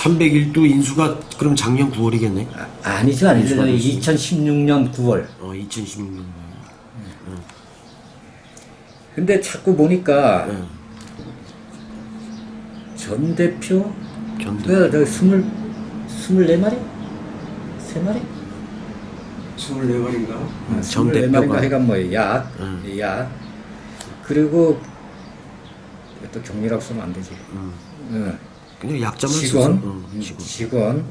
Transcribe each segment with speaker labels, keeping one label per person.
Speaker 1: 301도 인수가 그럼 작년 9월이겠네.
Speaker 2: 아니죠. 2016년 9월.
Speaker 1: 2016년.
Speaker 2: 근데 자꾸 보니까 전 대표
Speaker 1: 전 대표.
Speaker 2: 24마리? 3마리?
Speaker 3: 24마리인가?
Speaker 1: 전
Speaker 2: 24마리인가
Speaker 1: 대표가.
Speaker 2: 하여간 뭐 약. 그리고 또 경리라고 쓰면 안 되지.
Speaker 1: 그냥 약자만
Speaker 2: 직원?
Speaker 1: 써서.
Speaker 2: 직원.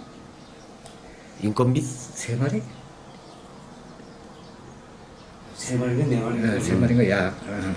Speaker 1: 인건비?
Speaker 2: 3마리?
Speaker 3: 3마리가 4마리인가?
Speaker 2: 3마리인가 약.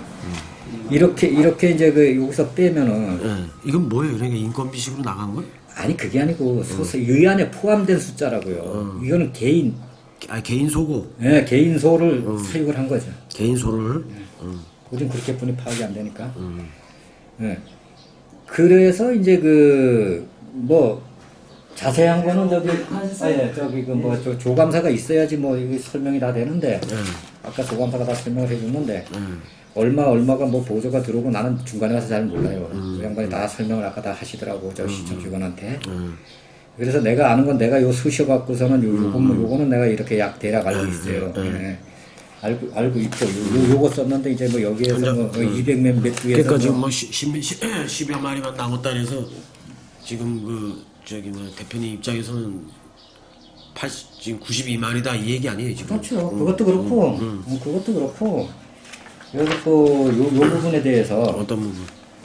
Speaker 2: 이렇게 이제 그 여기서 빼면은
Speaker 1: 예. 이건 뭐예요? 그러니까 인건비식으로 나간 거예요?
Speaker 2: 아니 그게 아니고 이 안에 포함된 숫자라고요. 이거는 개인
Speaker 1: 개인 소고.
Speaker 2: 예, 개인 소를 사육을 한 거죠.
Speaker 1: 개인 소를.
Speaker 2: 우린 그렇게 뿐이 파악이 안 되니까. 예. 그래서 이제 그 뭐 자세한 거는 저기 그 뭐 조감사가 있어야지 뭐 이게 설명이 다 되는데 아까 조감사가 다 설명을 해줬는데 얼마가 뭐 보조가 들어오고 나는 중간에 가서 잘 몰라요. 그 양반이 다 설명을 아까 다 하시더라고 저 시청 직원한테. 그래서 내가 아는 건 내가 요 수셔 갖고서는 요거는 내가 이렇게 약 대략 알고 있어요. 예. 알고 있고 요거 썼는데 이제 뭐 여기에서 뭐 200몇 위에서
Speaker 1: 그러니까 지금 뭐 10여 마리만 남았다 해서 지금 그 저기 뭐 대표님 입장에서는 지금 92마리다 이 얘기 아니에요 지금?
Speaker 2: 그렇죠. 그것도 그렇고 그것도 그렇고 그래서 또 요 부분에 대해서
Speaker 1: 어떤 부분?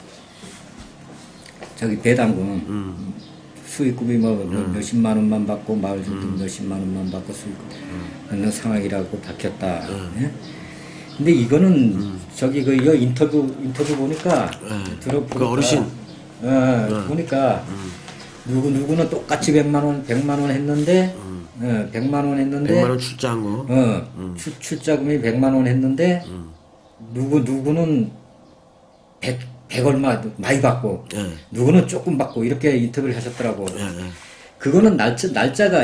Speaker 2: 저기 배당금 수익금이 뭐 몇십만 원만 받고 마을 주택 몇십만 원만 받고 수익금 받는 상황이라고 밝혔다. 예? 근데 이거는 저기 그 인터뷰 보니까 들어보니까
Speaker 1: 그 어르신
Speaker 2: 보니까 누구는 똑같이 100만 원 했는데 100만 원 했는데
Speaker 1: 100만 원 출자한 거.
Speaker 2: 출자금이 100만 원 했는데 누구는 100 얼마 많이 받고 누구는 조금 받고 이렇게 인터뷰를 하셨더라고. 그거는 날짜가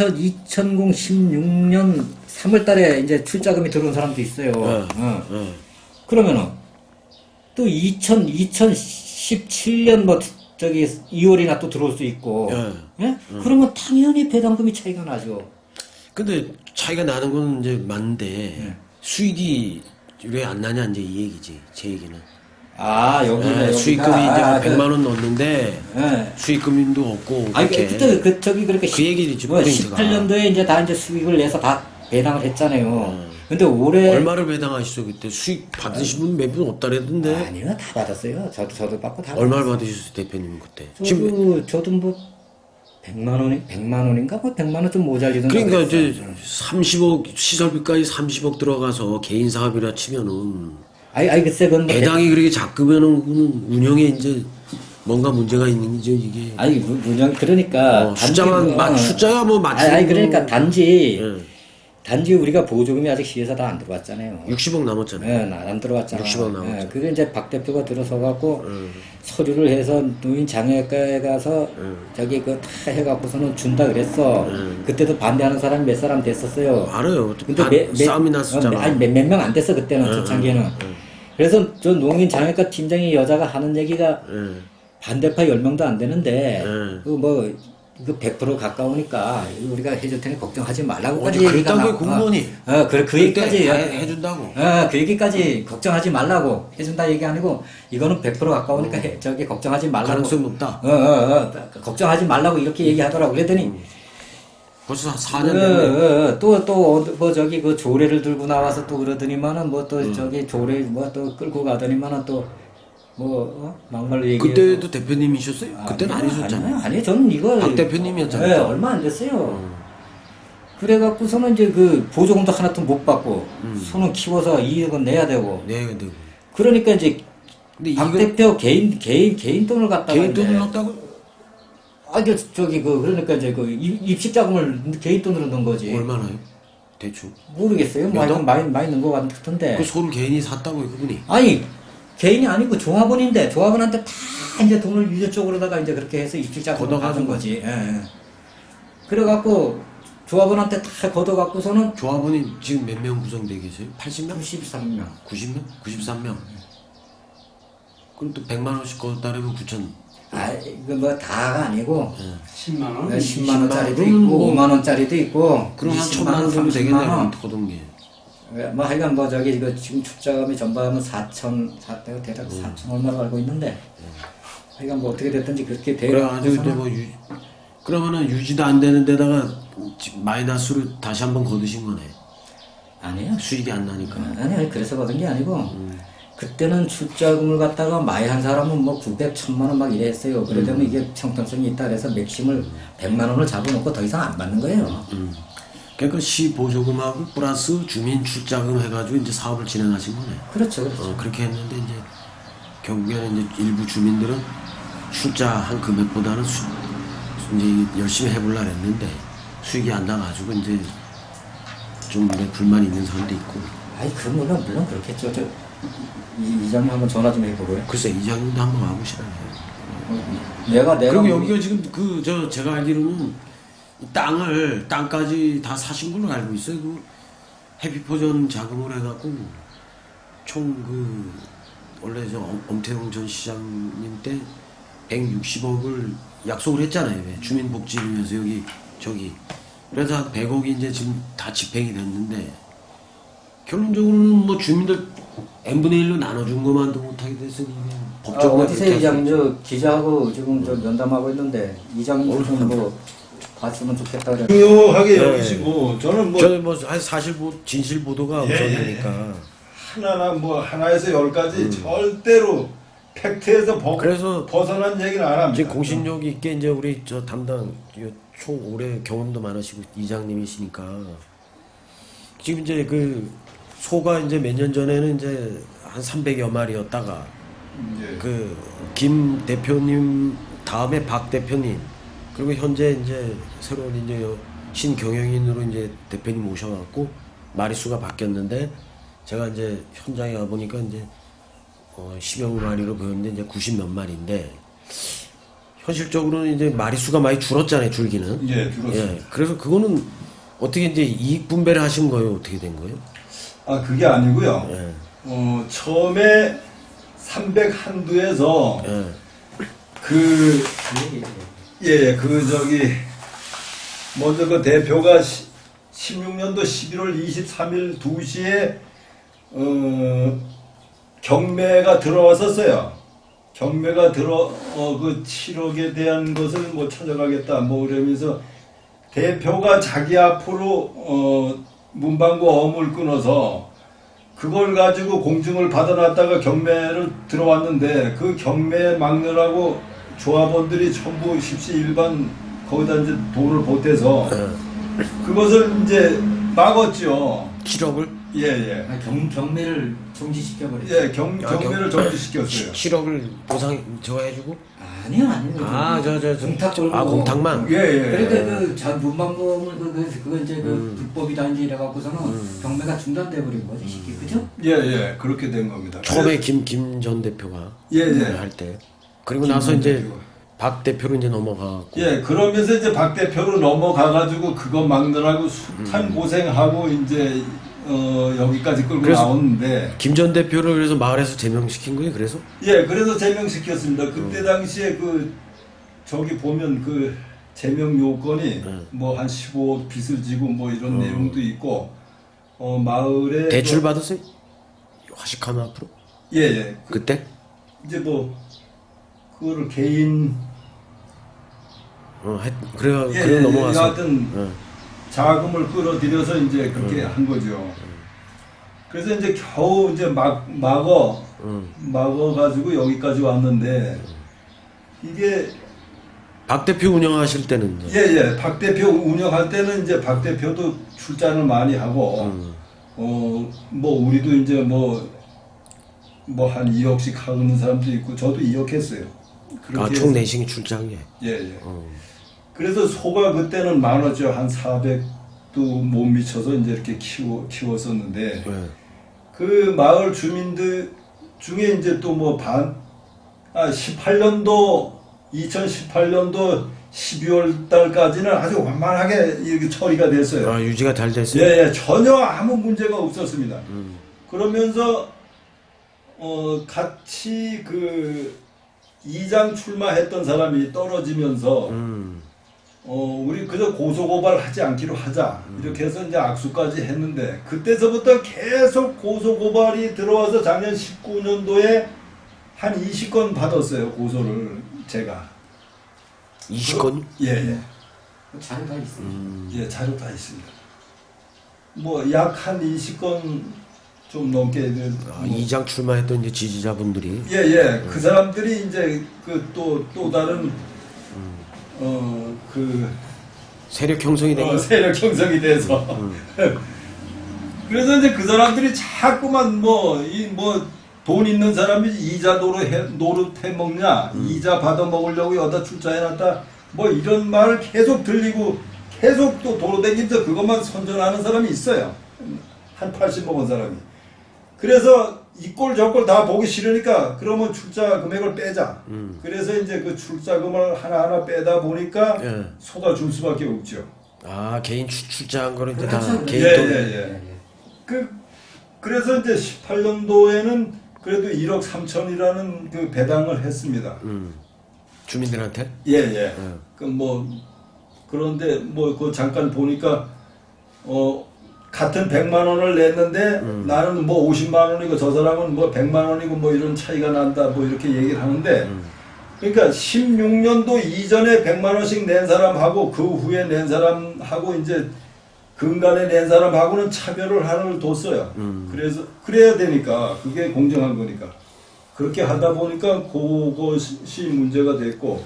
Speaker 2: 2016년 3월 달에 이제 출자금이 들어온 사람도 있어요. 그러면은 또 2017년 뭐 저기 2월이나 또 들어올 수 있고. 예? 그러면 당연히 배당금이 차이가 나죠.
Speaker 1: 근데 차이가 나는 건 이제 맞는데 수익이 왜 안 나냐 이제 이 얘기지 제 얘기는.
Speaker 2: 여기가
Speaker 1: 수익금이 이제 뭐 100만 원 넣었는데 수익금도 없고
Speaker 2: 아니
Speaker 1: 그렇게.
Speaker 2: 그때 저기 그렇게
Speaker 1: 그 얘기지
Speaker 2: 뭐
Speaker 1: 포인트가.
Speaker 2: 18년도에 이제 다 이제 수익을 내서 다 배당을 했잖아요. 근데 올해
Speaker 1: 얼마를 배당하시죠 그때 수익 받으신 분 몇 분 없다 그랬던데.
Speaker 2: 아니요 다 받았어요. 저도 받고 다.
Speaker 1: 얼마를 받으셨어요 대표님 그때?
Speaker 2: 저도 뭐 100만 원인가 뭐 100만 원 좀 모자리던가.
Speaker 1: 그러니까 이제 30억 시설비까지 30억 들어가서 개인 사업이라 치면은
Speaker 2: 아니 글쎄 그건 뭐
Speaker 1: 배당이 그렇게 작으면은 그거는 운영에 이제 뭔가 문제가 있는 거죠 이게.
Speaker 2: 아니 문영 그러니까
Speaker 1: 숫자야 뭐 맞추는.
Speaker 2: 아니 그러니까 단지 우리가 보조금이 아직 시에서 다 안 들어왔잖아요.
Speaker 1: 60억 남았잖아요.
Speaker 2: 안 들어왔잖아.
Speaker 1: 60억 남았죠.
Speaker 2: 그게 이제 박 대표가 들어서 갖고 서류를 해서 노인 장애과에 가서 저기 그 다 해갖고서는 준다 그랬어. 그때도 반대하는 사람이 몇 사람 됐었어요.
Speaker 1: 알아요.
Speaker 2: 근데
Speaker 1: 싸움이 났었잖아.
Speaker 2: 아니 몇 명 안 됐어 그때는 초창기에는. 그래서 저 농인 장애과 팀장이 여자가 하는 얘기가 반대파 10명도 안 되는데 그 100% 가까우니까 우리가 해줄 테니 걱정하지 말라고까지 얘기가
Speaker 1: 그랬다고 공무원이.
Speaker 2: 그 얘기까지
Speaker 1: 해준다고.
Speaker 2: 그 얘기까지 걱정하지 말라고 해준다 얘기 아니고 이거는 100% 가까우니까 저기 걱정하지 말라고.
Speaker 1: 가능성 높다.
Speaker 2: 걱정하지 말라고 이렇게 얘기하더라고. 그랬더니
Speaker 1: 벌써 4년 됐네.
Speaker 2: 뭐 저기 그 조례를 들고 나와서 또 그러더니만은 뭐 또 저기 조례 뭐 또 끌고 가더니만은 또 뭐 막말로 얘기해.
Speaker 1: 그때도 대표님이셨어요? 그때는 아니셨잖아요.
Speaker 2: 아니요, 저는 이거
Speaker 1: 박 대표님이었잖아요.
Speaker 2: 네, 얼마 안 됐어요. 그래갖고서는 이제 그 보조금도 하나도 못 받고 손은 키워서 이익은 내야 되고.
Speaker 1: 네, 되고.
Speaker 2: 그러니까 이제
Speaker 1: 근데
Speaker 2: 박 대표 개인 돈을 갖다가
Speaker 1: 개인 돈을 넣었다고?
Speaker 2: 저기 그러니까 이제 그 입식 자금을 개인 돈으로 넣은 거지.
Speaker 1: 얼마나요? 대충.
Speaker 2: 모르겠어요. 뭐 하여튼 많이 넣은 것 같은데.
Speaker 1: 그 소를 개인이 샀다고요, 그분이?
Speaker 2: 아니 개인이 아니고 조합원인데 조합원한테 다 이제 돈을 유저 쪽으로다가 이제 그렇게 해서 입식 자금을 받은 거지. 예. 그래갖고 조합원한테 다 걷어갖고서는
Speaker 1: 조합원이 지금 몇 명 구성되어 계세요? 80명?
Speaker 2: 93명.
Speaker 1: 90명? 93명? 그럼 또 100만 원씩 걷었다면 9천.
Speaker 2: 아, 이거 뭐 다가 아니고
Speaker 3: 10만 원?
Speaker 2: 10만 원짜리도
Speaker 1: 10만
Speaker 2: 있고
Speaker 1: 원,
Speaker 2: 5만 원짜리도 있고
Speaker 1: 그럼 한
Speaker 2: 20만
Speaker 1: 천만 원
Speaker 2: 원,
Speaker 1: 정도
Speaker 2: 30만
Speaker 1: 되겠네.
Speaker 2: 원.
Speaker 1: 거둔 게.
Speaker 2: 뭐 하여간 뭐 저기 이거 지금 출자금이 전부하면 4천, 내가 대략 4천 얼마로 알고 있는데 하여간 뭐 어떻게 됐든지 그렇게
Speaker 1: 그래가지고 이제
Speaker 2: 돼가지고서는
Speaker 1: 뭐 그러면은 유지도 안 되는 데다가 마이너스로 다시 한번 거두신 거네.
Speaker 2: 아니에요.
Speaker 1: 수익이 안 나니까.
Speaker 2: 아니 그래서 받은 게 아니고 그때는 출자금을 갖다가 많이 한 사람은 뭐 900, 1000만 원 막 이래 했어요. 그러려면 이게 형평성이 있다 그래서 맥심을 100만 원을 잡아놓고 더 이상 안 받는 거예요.
Speaker 1: 그러니까 시 보조금하고 플러스 주민 출자금 해가지고 이제 사업을 진행하신 거네.
Speaker 2: 그렇죠, 그렇죠.
Speaker 1: 그렇게 했는데 이제 결국에는 이제 일부 주민들은 출자한 금액보다는 이제 열심히 해보려 했는데 수익이 안 나가지고 이제 좀 불만이 있는 사람도 있고.
Speaker 2: 아이 그 물론 그렇겠죠. 이장님 한번 전화 좀 해보고요.
Speaker 1: 글쎄 이장님도 한번 와보시라요.
Speaker 2: 내가
Speaker 1: 그리고
Speaker 2: 뭐-
Speaker 1: 여기가 지금 제가 알기로는 이 땅까지 다 사신 걸로 알고 있어요. 그 해피포전 자금을 해갖고 총 원래 엄태웅 전 시장님 때 160억을 약속을 했잖아요. 왜? 주민복지위에서 저기 그래서 한 100억이 이제 지금 다 집행이 됐는데 결론적으로는 뭐 주민들 n분의 1로 나눠준 것만도 못하게 돼서 이게 법적으로
Speaker 2: 어디서 이장님 저 기자하고 지금 저 면담하고 있는데 이장님 좀뭐 봤으면 좋겠다 그래.
Speaker 4: 중요하게
Speaker 1: 네.
Speaker 4: 여기시고 저는 뭐
Speaker 1: 저는 뭐 사실 진실 보도가
Speaker 4: 예,
Speaker 1: 우선이니까
Speaker 4: 하나에서 10가지 절대로 팩트에서
Speaker 1: 그래서
Speaker 4: 벗어난 얘기는 안 합니다.
Speaker 1: 지금 공신력 있게 이제 우리 저 담당 총 올해 경험도 많으시고 이장님이시니까 지금 이제 그 소가 이제 몇 년 전에는 이제 한 300여 마리였다가
Speaker 4: 예.
Speaker 1: 그 김 대표님 다음에 박 대표님 그리고 현재 이제 새로운 이제 신경영인으로 이제 대표님 모셔갖고 마리수가 바뀌었는데 제가 이제 현장에 가 보니까 이제 10여 마리로 보였는데 이제 90 몇 마리인데 현실적으로는 이제 마리수가 많이 줄었잖아요. 줄기는.
Speaker 4: 예, 줄었습니다.
Speaker 1: 예, 그래서 그거는 어떻게 이제 이익 분배를 하신 거예요? 어떻게 된 거예요?
Speaker 4: 아 그게 아니고요.
Speaker 1: 예.
Speaker 4: 처음에 300 한두에서
Speaker 1: 예.
Speaker 4: 그 먼저 그 대표가 16년도 11월 23일 2시에 경매가 들어왔었어요. 경매가 그 7억에 대한 것을 뭐 찾아가겠다 뭐 그러면서 대표가 자기 앞으로 문방구 어음을 끊어서 그걸 가지고 공증을 받아놨다가 경매를 들어왔는데 그 경매 막느라고 조합원들이 전부 십시일반 거기다 이제 돈을 보태서 그것을 이제 막았죠.
Speaker 1: 7억을?
Speaker 4: 예.
Speaker 2: 경매를 정지시켜버렸죠.
Speaker 4: 예, 경매를 정지시켰어요.
Speaker 1: 7억을 보상 저거 해주고?
Speaker 2: 아니요. 공탁 걸고.
Speaker 1: 공탁만?
Speaker 4: 예.
Speaker 2: 그러니까 그 문방구물 그거 이제 그 불법이다 이제 이래갖고서는 경매가 중단돼 버린 거지 쉽게 그죠?
Speaker 4: 예. 그렇게 된 겁니다.
Speaker 1: 처음에 김 전 대표가
Speaker 4: 예.
Speaker 1: 할 때. 그리고 나서 이제 박 대표로 이제 넘어가고.
Speaker 4: 예, 그러면서 이제 박 대표로 넘어가가지고 그거 막느라고 숱한 고생하고 이제 여기까지 끌고
Speaker 1: 그래서
Speaker 4: 나오는데
Speaker 1: 김 전 대표를 그래서 마을에서 제명시킨 거예요. 그래서?
Speaker 4: 예, 그래서 제명시켰습니다. 그때 당시에 저기 보면 그 제명 요건이 뭐 한 15억 빚을 지고 뭐 이런 내용도 있고 마을에
Speaker 1: 대출 받았어요? 화식하면 앞으로?
Speaker 4: 예.
Speaker 1: 그때?
Speaker 4: 이제 뭐 그거를 개인
Speaker 1: 그래 넘어가서.
Speaker 4: 하여튼 자금을 끌어들여서 이제 그렇게 한 거죠. 그래서 이제 겨우 이제 막아가지고 여기까지 왔는데 이게
Speaker 1: 박 대표 운영하실 때는 이제.
Speaker 4: 예. 박 대표 운영할 때는 이제 박 대표도 출장을 많이 하고 뭐 우리도 이제 뭐 한 2억씩 하는 사람도 있고 저도 2억 했어요.
Speaker 1: 총 내싱이 출장이에요.
Speaker 4: 예. 그래서 소가 그때는 많았죠. 한 400도 못 미쳐서 이제 이렇게 키웠었는데 그 마을 주민들 중에 이제 또 뭐 2018년도 12월 달까지는 아주 완만하게 이렇게 처리가 됐어요.
Speaker 1: 유지가 잘 됐어요?
Speaker 4: 예. 전혀 아무 문제가 그러면서 같이 2장 출마했던 사람이 떨어지면서 우리 그저 고소고발하지 않기로 하자 이렇게 해서 이제 악수까지 했는데 그때서부터 계속 고소고발이 들어와서 작년 19년도에 한 20건 받았어요. 고소를 제가.
Speaker 1: 20건?
Speaker 4: 예.
Speaker 3: 자료 다 있습니다.
Speaker 4: 예, 자료 다 있습니다. 뭐 약 한 20건 좀 넘게
Speaker 1: 이장 출마했던 이제 지지자분들이.
Speaker 4: 예. 그 사람들이 이제 그 또 다른 그
Speaker 1: 세력 형성이 된 거.
Speaker 4: 세력 형성이 돼서 그래서 이제 그 사람들이 자꾸만 돈 있는 사람이 이자 노릇해 먹냐 이자 받아 먹으려고 여기다 출자해놨다 뭐 이런 말 계속 들리고 계속 또 도로 댕기면서 그것만 선전하는 사람이 있어요. 한 80 먹은 사람이. 그래서 이 꼴 저 꼴 다 보기 싫으니까 그러면 출자 금액을 빼자. 그래서 이제 그 출자금을 하나하나 빼다 보니까
Speaker 1: 예.
Speaker 4: 쏟아줄 수밖에 없죠.
Speaker 1: 아 개인 출자한 거는 이제
Speaker 3: 그렇죠.
Speaker 1: 다 개인
Speaker 4: 예,
Speaker 1: 돈.
Speaker 4: 예. 그래서 이제 18년도에는 그래도 1억 3천이라는 그 배당을 했습니다.
Speaker 1: 주민들한테?
Speaker 4: 예. 그런데 그 잠깐 보니까 같은 100만 원을 냈는데 나는 50만 원이고 저 사람은 100만 원이고 이런 차이가 난다 이렇게 얘기를 하는데 그러니까 16년도 이전에 100만 원씩 낸 사람하고 그 후에 낸 사람하고 이제 근간에 낸 사람하고는 차별을 하나를 뒀어요. 그래서 그래야 되니까 그게 공정한 거니까 그렇게 하다 보니까 그것이 문제가 됐고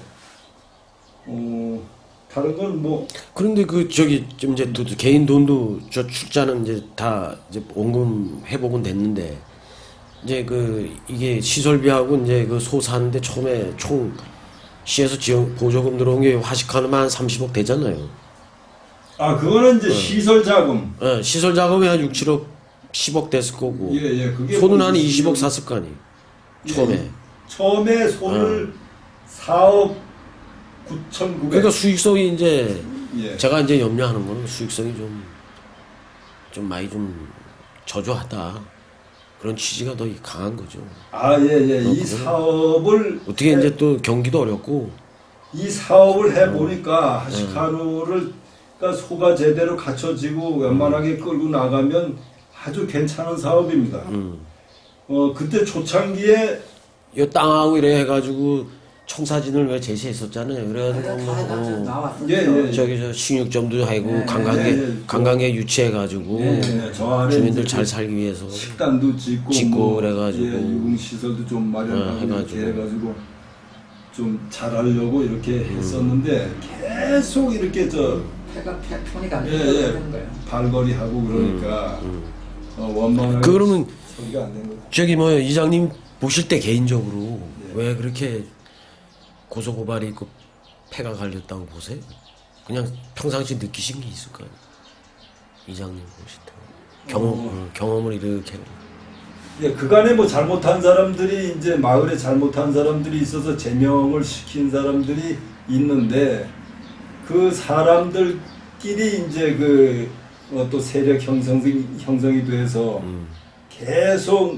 Speaker 4: 다른 건
Speaker 1: 그런데 좀 이제 또 개인 돈도 저 출자는 이제 다 이제 원금 회복은 됐는데 이제 이게 시설비하고 이제 소 사는데 처음에 총 시에서 지원 보조금 들어온 게 화식하면 한 30억 되잖아요.
Speaker 4: 그거는 이제 시설 자금.
Speaker 1: 예, 시설 작업이 한 6, 7억, 10억 됐을 거고.
Speaker 4: 예. 그게
Speaker 1: 소는 한 20억 샀을 거 아니에요. 처음에.
Speaker 4: 처음에 소를 4억 9,900.
Speaker 1: 그러니까 수익성이 이제
Speaker 4: 예.
Speaker 1: 제가 이제 염려하는 거는 수익성이 좀 많이 좀 저조하다. 그런 취지가 더 강한 거죠.
Speaker 4: 예. 이 사업을
Speaker 1: 어떻게 이제 또 경기도 어렵고.
Speaker 4: 이 사업을 해 보니까 하시카루를 그러니까 소가 제대로 갖춰지고 웬만하게 끌고 나가면 아주 괜찮은 사업입니다. 그때 초창기에
Speaker 1: 이 땅하고 이래 해가지고 청사진을 왜 제시했었잖아요. 그래가지고
Speaker 3: 나왔어요.
Speaker 4: 예.
Speaker 1: 저기 저 식육점도 하고
Speaker 3: 네.
Speaker 1: 관광객 유치해가지고
Speaker 4: 저 안에
Speaker 1: 주민들
Speaker 4: 이제
Speaker 1: 잘 살기 위해서
Speaker 4: 식당도 짓고
Speaker 1: 그래가지고
Speaker 4: 유흥시설도 좀 마련하고
Speaker 1: 해가지고.
Speaker 4: 이렇게 해가지고 좀 잘하려고 이렇게 했었는데 계속 이렇게
Speaker 3: 폐가 편이 안
Speaker 4: 예.
Speaker 3: 되는 거예요.
Speaker 4: 발걸이 하고 그러니까 원만하게
Speaker 1: 그러면
Speaker 4: 소리가 안 된 거죠.
Speaker 1: 저기 이장님 보실 때 개인적으로 왜 그렇게 고소고발이 있고 폐가 갈렸다고 보세요? 그냥 평상시 느끼신 게 있을까요? 이장님 보실 때 경험을 이렇게
Speaker 4: 그간에 잘못한 사람들이 이제 마을에 잘못한 사람들이 있어서 제명을 시킨 사람들이 있는데 그 사람들끼리 이제 또 세력 형성이 돼서 계속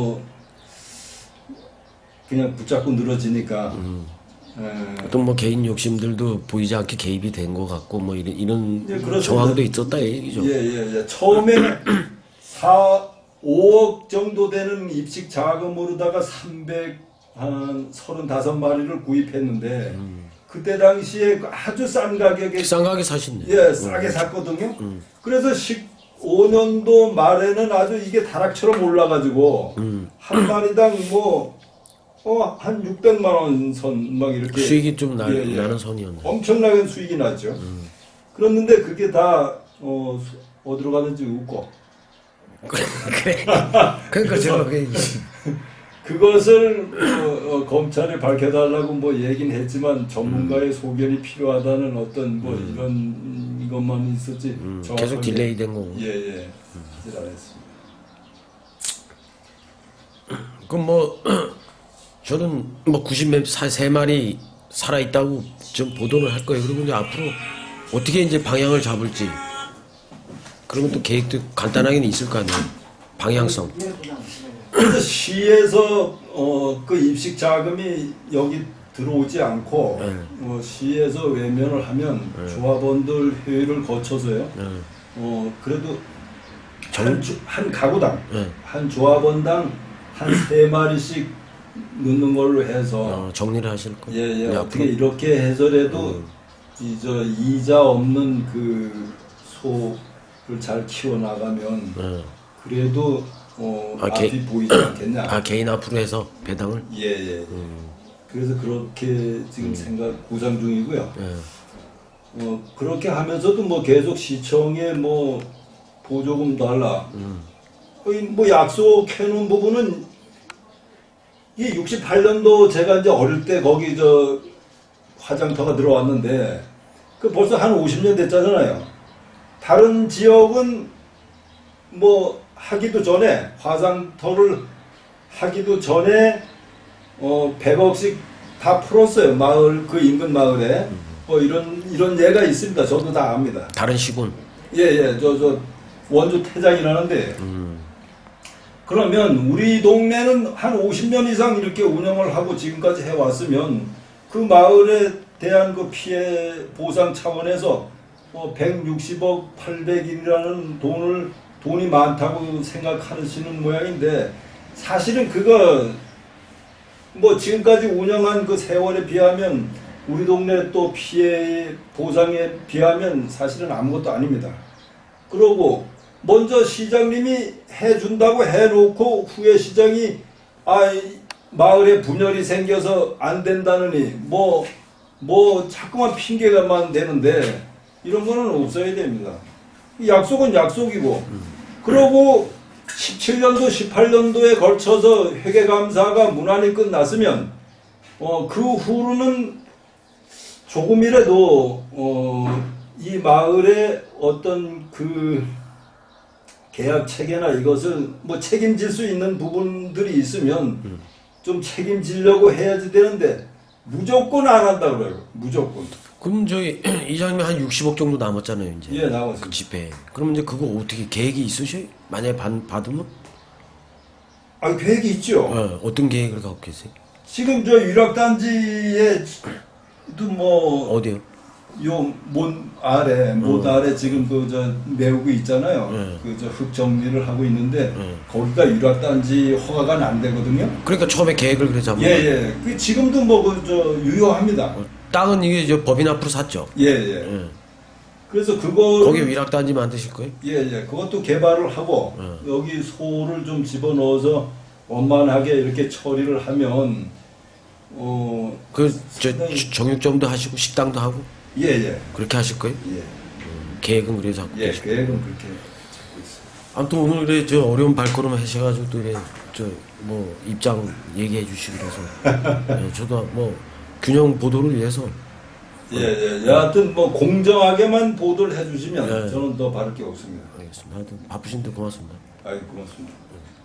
Speaker 4: 그냥 붙잡고 늘어지니까
Speaker 1: 어떤 개인 욕심들도 보이지 않게 개입이 된 것 같고 이런
Speaker 4: 그렇습니다.
Speaker 1: 정황도 있었다 이 얘기죠.
Speaker 4: 예. 처음에는 5억 정도 되는 입식 자금으로다가 335마리를 구입했는데 그때 당시에 아주 싼 가격에
Speaker 1: 싼 가게 사셨네.
Speaker 4: 예, 싸게 샀거든요. 그래서 15년도 말에는 아주 이게 다락처럼 올라가지고 한 마리당 한 600만 원 선 막 이렇게
Speaker 1: 수익이 좀
Speaker 4: 예.
Speaker 1: 나는 선이었네.
Speaker 4: 엄청나게 수익이 났죠. 그랬는데 그게 다 어디로 가는지 웃고
Speaker 1: 그래. 그러니까 제가
Speaker 4: 그것을 검찰에 밝혀달라고 얘기는 했지만 전문가의 소견이 필요하다는 어떤 이런 이것만 있었지.
Speaker 1: 계속 딜레이 된 거고.
Speaker 4: 예. 잘했습니다.
Speaker 1: 그럼 저는 93마리 살아있다고 좀 보도를 할 거예요. 그리고 이제 앞으로 어떻게 이제 방향을 잡을지. 그러면 또 계획도 간단하게는 있을 거 아니에요. 방향성.
Speaker 4: 그래서 시에서 그 입식 자금이 여기 들어오지 않고 시에서 외면을 하면 조합원들 회의를 거쳐서요. 그래도 한 가구당 한 조합원당 한 3마리씩 넣는 걸로 해서
Speaker 1: 정리를 하실 거예요.
Speaker 4: 예,
Speaker 1: 네,
Speaker 4: 어떻게
Speaker 1: 앞으로.
Speaker 4: 이렇게 해서라도 이자 없는 그 소를 잘 키워 나가면 그래도 앞이 보이지 않겠냐.
Speaker 1: 개인 앞으로 해서 배당을.
Speaker 4: 예. 그래서 그렇게 지금 구상 중이고요. 그렇게 하면서도 뭐 계속 시청에 뭐 보조금 달라. 거의 뭐 약속해 놓은 부분은 이 68년도 제가 이제 어릴 때 거기 화장터가 들어왔는데 그 벌써 한 50년 됐잖아요. 다른 지역은 뭐 하기도 전에 화장터를 하기도 전에 100억씩 다 풀었어요. 마을 그 인근 마을에 뭐 이런 예가 있습니다. 저도 다 압니다.
Speaker 1: 다른 시군.
Speaker 4: 예. 저 원주 태장이라는데 그러면 우리 동네는 한 50년 이상 이렇게 운영을 하고 지금까지 해왔으면 그 마을에 대한 그 피해 보상 차원에서 160억 800일이라는 돈이 많다고 생각하시는 모양인데 사실은 그거 뭐 지금까지 운영한 그 세월에 비하면 우리 동네 또 피해 보상에 비하면 사실은 아무것도 아닙니다. 그러고 먼저 시장님이 해준다고 해놓고 후에 시장이 마을에 분열이 생겨서 안 된다느니 뭐 자꾸만 핑계가만 되는데 이런 거는 없어야 됩니다. 약속은 약속이고 그러고 17년도 18년도에 걸쳐서 회계감사가 무난히 끝났으면 그 후로는 조금이라도 이 마을의 어떤 그 계약 체계나 이것을 뭐 책임질 수 있는 부분들이 있으면 좀 책임지려고 해야지 되는데 무조건 안 한다 그래요. 무조건.
Speaker 1: 그럼 저희 이장님이 한 60억 정도 남았잖아요, 이제.
Speaker 4: 예, 남았습니다.
Speaker 1: 그 집에. 그러면 이제 그거 어떻게 계획이 있으셔요? 만약에 받으면?
Speaker 4: 계획이 있죠.
Speaker 1: 어떤 계획을 갖고 계세요?
Speaker 4: 지금 유락단지에도 뭐
Speaker 1: 어디요?
Speaker 4: 못 아래 지금 메우고 있잖아요. 흙 정리를 하고 있는데 거기가 유락단지 허가가 안 되거든요.
Speaker 1: 그러니까 처음에 계획을 그래 잡은
Speaker 4: 예. 그 지금도 유효합니다.
Speaker 1: 땅은 이게 법인 앞으로 샀죠.
Speaker 4: 예. 그래서 그거
Speaker 1: 거기 위락단지 만드실 거예요?
Speaker 4: 예. 그것도 개발을 하고 여기 소를 좀 집어넣어서 원만하게 이렇게 처리를 하면
Speaker 1: 정육점도 하시고 식당도 하고
Speaker 4: 예.
Speaker 1: 그렇게 하실 거예요?
Speaker 4: 예.
Speaker 1: 계획은 그래서 잡고 계시고.
Speaker 4: 계획은 그렇게 잡고 있어요.
Speaker 1: 아무튼 오늘 그래 어려운 발걸음 하셔가지고 또 이래 뭐 입장 얘기해 주시고 그래서 저도 뭐 균형 보도를 위해서
Speaker 4: 예. 여하튼 뭐 공정하게만 보도를 해주시면
Speaker 1: 예.
Speaker 4: 저는 더 바를 게 없습니다.
Speaker 1: 알겠습니다. 하여튼 바쁘신데 고맙습니다.
Speaker 4: 고맙습니다.